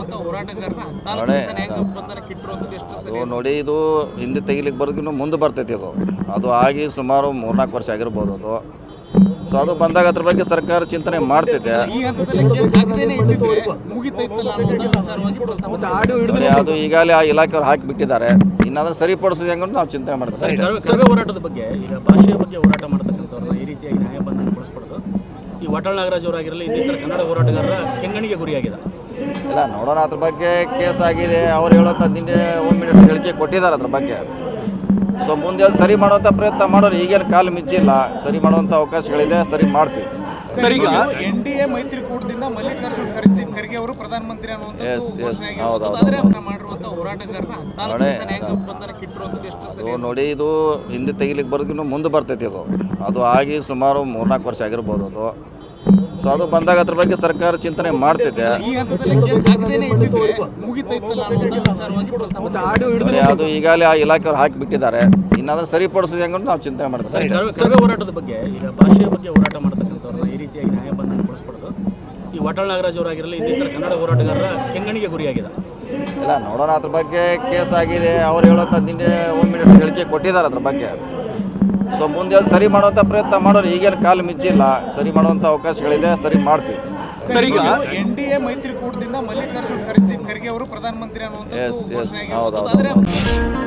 ಮಾಡಿರುವಂತ ಹೋರಾಟಗಾರರ ನೋಡಿ, ಬಂಧನಕ್ಕೆ ಇಟ್ಟಿರುವಂತದ್ದು ಎಷ್ಟು ಸರಿ? ಅದು ನೋಡಿ, ಇದು ಹಿಂದೆ ತೆಗಿಲಿಕ್ಕೆ ಬರೋದಕ್ಕಿಂತ ಮುಂದೆ ಬರ್ತೈತಿ. ಅದು ಆಗಿ ಸುಮಾರು 3-4 ವರ್ಷ ಆಗಿರ್ಬೋದು ಅದು. ಸೊ ಅದು ಬಂದಾಗ ಅದ್ರ ಬಗ್ಗೆ ಸರ್ಕಾರ ಚಿಂತನೆ ಮಾಡ್ತಿದೆ. ಈ ಹಂತದಲ್ಲಿ ಕೇಸ್ ಹಾಕದೇನೆ ಇದ್ದಿದ್ರೆ ಮುಗಿತೈತಲ್ಲ ಅನ್ನೋ ವಿಚಾರವಾಗಿ ಪ್ರಸ್ತಾಪ ನೋಡಿ, ಅದು ಈಗಾಗಲೇ ಆ ಇಲಾಖೆಯವ್ರು ಹಾಕಿ ಬಿಟ್ಟಿದ್ದಾರೆ. ಇನ್ನು ಅದನ್ನು ಸರಿಪಡಿಸೋದು ಹೆಂಗೆ ನಾವು ಚಿಂತನೆ ಮಾಡ್ತೀವಿ. ಸರ್ವೆ ಹೋರಾಟದ ಬಗ್ಗೆ, ಈಗ ಭಾಷೆಯ ಬಗ್ಗೆ ಹೋರಾಟ ಮಾಡ್ತಕ್ಕಂಥವ್ರನ್ನ ಈ ರೀತಿಯಾಗಿ ನ್ಯಾಯಬಂಧನಗೊಳಿಸ್ಬಾರ್ದು. ಈ ವಾಟಾಳ್ ನಾಗರಾಜ್ ಅವರಾಗಿರಲಿ, ಇನ್ನಿತರ ಕನ್ನಡ ಹೋರಾಟಗಾರರ ಕೆಂಗಣಿಗೆ ಗುರಿಯಾಗಿದೆ. ಇಲ್ಲ, ನೋಡೋಣ, ಅದ್ರ ಬಗ್ಗೆ ಕೇಸ್ ಆಗಿದೆ. ಅವ್ರು ಹೇಳೋಂಥ ನಿನ್ನೆ ಹೋಮ್ ಮಿನಿಸ್ಟರ್ ಹೇಳಿಕೆ ಕೊಟ್ಟಿದ್ದಾರೆ ಅದ್ರ ಬಗ್ಗೆ. ಸೊ ಮುಂದೆ ಅದು ಸರಿ ಮಾಡುವಂಥ ಪ್ರಯತ್ನ ಮಾಡೋರು. ಈಗೇನು ಕಾಲು ಮಿಂಚಿಲ್ಲ, ಸರಿ ಮಾಡುವಂಥ ಅವಕಾಶಗಳಿದೆ, ಸರಿ ಮಾಡ್ತೀವಿ. ಸರ್, ಈಗ ಎನ್ಡಿಎ ಮೈತ್ರಿಕೂಟದಿಂದ ಮಲ್ಲಿಕಾರ್ಜುನ್ ಖರ್ಗೆ ಅವರು ಪ್ರಧಾನಮಂತ್ರಿ ಮಾಡಿರುವಂತ ಹೋರಾಟಗಾರರ ಬಂಧನಕ್ಕೆ ಇಟ್ಟಿರುವಂತದ್ದು ಎಷ್ಟು ಸರಿ? ಅದು ನೋಡಿ, ಇದು ಹಿಂದೆ ತೆಗಿಲಿಕ್ಕೆ ಬರೋದಕ್ಕಿಂತ ಮುಂದೆ ಬರ್ತೈತಿ. ಅದು ಆಗಿ ಸುಮಾರು 3-4 ವರ್ಷ ಆಗಿರ್ಬೋದು ಅದು. ಸೊ ಅದು ಬಂದಾಗ ಅದ್ರ ಬಗ್ಗೆ ಸರ್ಕಾರ ಚಿಂತನೆ ಮಾಡ್ತಿದೆ. ಈ ಹಂತದಲ್ಲಿ ಕೇಸ್ ಹಾಕದೇನೆ ಇದ್ದಿದ್ರೆ ಮುಗಿತೈತಲ್ಲ ಅನ್ನೋ ವಿಚಾರವಾಗಿ ಪ್ರಸ್ತಾಪ ನೋಡಿ, ಅದು ಈಗಾಗಲೇ ಆ ಇಲಾಖೆಯವ್ರು ಹಾಕಿ ಬಿಟ್ಟಿದ್ದಾರೆ. ಇನ್ನು ಅದನ್ನು ಸರಿಪಡಿಸೋದು ಹೆಂಗೆ ನಾವು ಚಿಂತನೆ ಮಾಡ್ತೀವಿ. ಸರ್ವೆ ಹೋರಾಟದ ಬಗ್ಗೆ, ಈಗ ಭಾಷೆಯ ಬಗ್ಗೆ ಹೋರಾಟ ಮಾಡ್ತಕ್ಕಂಥವ್ರನ್ನ ಈ ರೀತಿಯಾಗಿ ನ್ಯಾಯಬಂಧನಗೊಳಿಸ್ಬಾರ್ದು. ಈ ವಾಟಾಳ್ ನಾಗರಾಜ್ ಅವರಾಗಿರಲಿ, ಇನ್ನಿತರ ಕನ್ನಡ ಹೋರಾಟಗಾರರ ಕೆಂಗಣಿಗೆ ಗುರಿಯಾಗಿದೆ. ಇಲ್ಲ, ನೋಡೋಣ, ಅದ್ರ ಬಗ್ಗೆ ಕೇಸ್ ಆಗಿದೆ. ಅವ್ರು ಹೇಳೋಂಥ ನಿನ್ನೆ ಹೋಮ್ ಮಿನಿಸ್ಟರ್ ಹೇಳಿಕೆ ಕೊಟ್ಟಿದ್ದಾರೆ ಅದ್ರ ಬಗ್ಗೆ. ಸೊ ಮುಂದೆ ಅದು ಸರಿ ಮಾಡುವಂಥ ಪ್ರಯತ್ನ ಮಾಡೋರು. ಈಗೇನು ಕಾಲು ಮಿಂಚಿಲ್ಲ, ಸರಿ ಮಾಡುವಂಥ ಅವಕಾಶಗಳಿದೆ, ಸರಿ ಮಾಡ್ತೀವಿ. ಸರ್, ಈಗ ಎನ್ಡಿಎ ಮೈತ್ರಿಕೂಟದಿಂದ ಮಲ್ಲಿಕಾರ್ಜುನ್ ಖರ್ಗೆ ಅವರು ಪ್ರಧಾನಮಂತ್ರಿ ಹೌದು.